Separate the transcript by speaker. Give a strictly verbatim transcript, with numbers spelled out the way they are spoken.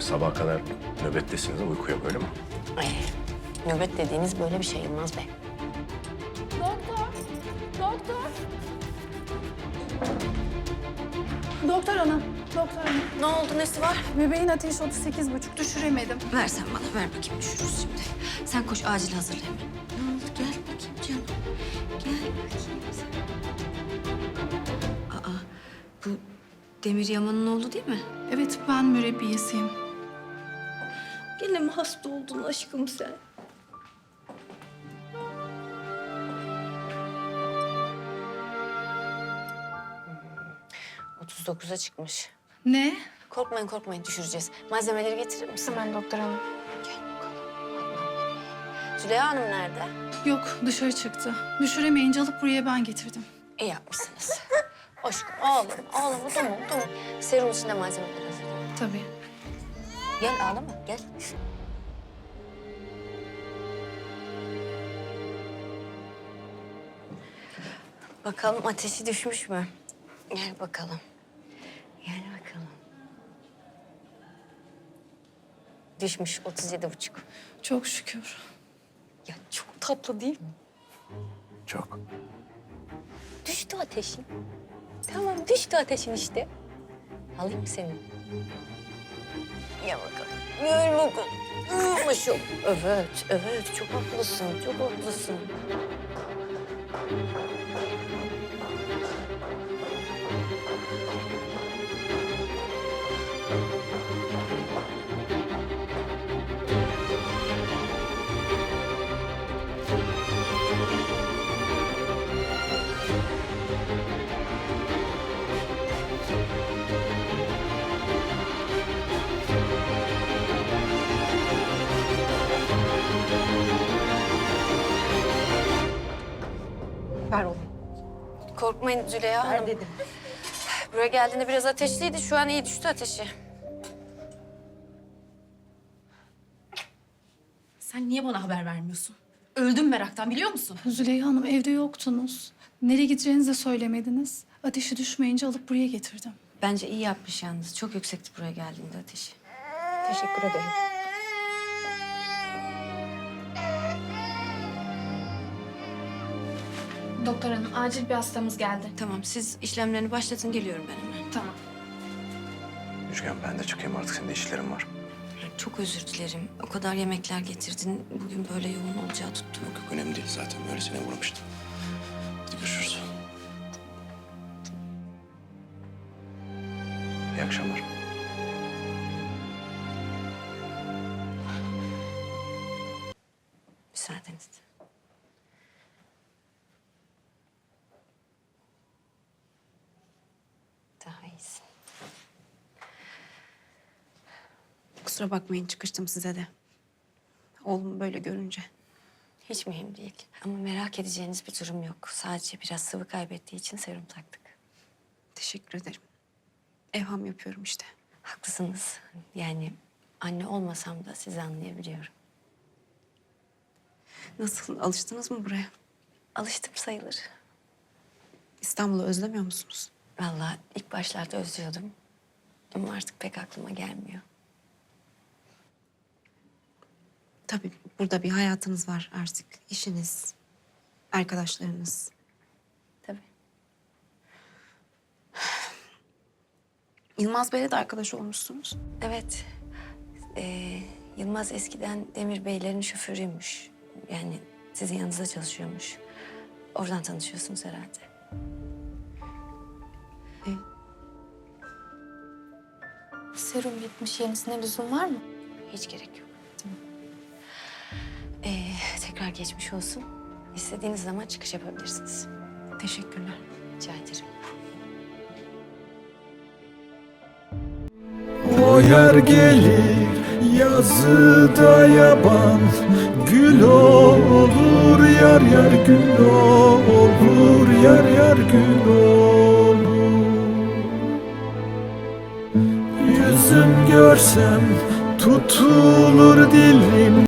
Speaker 1: Şimdi sabaha kadar nöbettesiniz de uyku yok öyle mi?
Speaker 2: Ay, nöbet dediğiniz böyle bir şey Yılmaz Bey.
Speaker 3: Doktor! Doktor! Doktor hanım, doktor hanım.
Speaker 2: Ne oldu, nesi var?
Speaker 3: Bebeğin ateşi otuz sekiz buçuk, düşüremedim.
Speaker 4: Ver sen bana, ver bakayım düşürürüz şimdi. Sen koş acil hazırla hemen. Ne oldu? Gel bakayım canım. Gel bakayım sen. Aa, bu Demir Yaman'ın oğlu değil mi?
Speaker 3: Evet, ben mürebbiyesiyim.
Speaker 4: Gene mi hasta oldun aşkım sen?
Speaker 2: otuz dokuza çıkmış.
Speaker 3: Ne?
Speaker 2: Korkmayın korkmayın, düşüreceğiz. Malzemeleri getirir misin?
Speaker 3: Hemen doktor hanım.
Speaker 2: Gel bakalım. Züleyha Hanım nerede?
Speaker 3: Yok, dışarı çıktı. Düşüremeyince alıp buraya ben getirdim.
Speaker 2: İyi yapmışsınız. Aşkım, oğlum, oğlum, tamam, tamam. Serum içinde malzemeleri hazırlayın.
Speaker 3: Tabii.
Speaker 2: Gel, ağlama, gel. Bakalım ateşi düşmüş mü? Gel bakalım. Gel bakalım. Düşmüş, otuz yedi buçuk.
Speaker 3: Çok şükür.
Speaker 2: Ya çok tatlı değil mi?
Speaker 1: Çok.
Speaker 2: Düştü ateşin. Tamam, düştü ateşin işte. Alayım mı seni? Gel bakalım. Gel bakalım. Uyumuşum. Evet, evet. Çok haklısın, çok haklısın.
Speaker 4: Ver oğlum.
Speaker 2: Korkmayın Züleyha Hanım.
Speaker 4: dedim.
Speaker 2: Buraya geldiğinde biraz ateşliydi. Şu an iyi düştü ateşi.
Speaker 5: Sen niye bana haber vermiyorsun? Öldüm meraktan biliyor musun?
Speaker 3: Züleyha Hanım, evde yoktunuz. Nereye gideceğinizi de söylemediniz. Ateşi düşmeyince alıp buraya getirdim.
Speaker 2: Bence iyi yapmış yalnız. Çok yüksekti buraya geldiğinde ateşi.
Speaker 4: Teşekkür ederim.
Speaker 5: Doktor hanım acil bir hastamız geldi.
Speaker 2: Tamam, siz işlemlerini başlatın. Geliyorum ben hemen.
Speaker 5: Tamam.
Speaker 1: Müjgan ben de çıkayım artık, senin de işlerin var.
Speaker 2: Çok özür dilerim. O kadar yemekler getirdin. Bugün böyle yoğun olacağı tuttu.
Speaker 1: Yok yok önemli değil zaten, öylesine vurmuştum. Hadi görüşürüz. İyi akşamlar.
Speaker 2: Müsaadenizle. Daha iyisin.
Speaker 4: Kusura bakmayın çıkıştım size de. Oğlumu böyle görünce.
Speaker 2: Hiç mühim değil. Ama merak edeceğiniz bir durum yok. Sadece biraz sıvı kaybettiği için serum taktık.
Speaker 4: Teşekkür ederim. Evham yapıyorum işte.
Speaker 2: Haklısınız. Yani anne olmasam da sizi anlayabiliyorum.
Speaker 4: Nasıl, alıştınız mı buraya?
Speaker 2: Alıştım sayılır.
Speaker 4: İstanbul'u özlemiyor musunuz?
Speaker 2: Vallahi ilk başlarda özlüyordum. Ama artık pek aklıma gelmiyor.
Speaker 4: Tabii burada bir hayatınız var artık. İşiniz, arkadaşlarınız.
Speaker 2: Tabii.
Speaker 4: Yılmaz Bey'le de arkadaş olmuşsunuz.
Speaker 2: Evet. Ee, Yılmaz eskiden Demir Beylerin şoförüymüş. Yani sizin yanınızda çalışıyormuş. Oradan tanışıyorsunuz herhalde.
Speaker 4: E,
Speaker 5: Serum bitmiş yenisine lüzum var mı?
Speaker 2: Hiç gerek yok. Tamam. Ee, tekrar geçmiş olsun. İstediğiniz zaman çıkış yapabilirsiniz.
Speaker 4: teşekkürler.
Speaker 2: Rica ederim.
Speaker 6: O yer gelir yazıda yaban, gül olur yar yar gül olur yar yar gül olur. Yüzüm görsem tutulur dilim.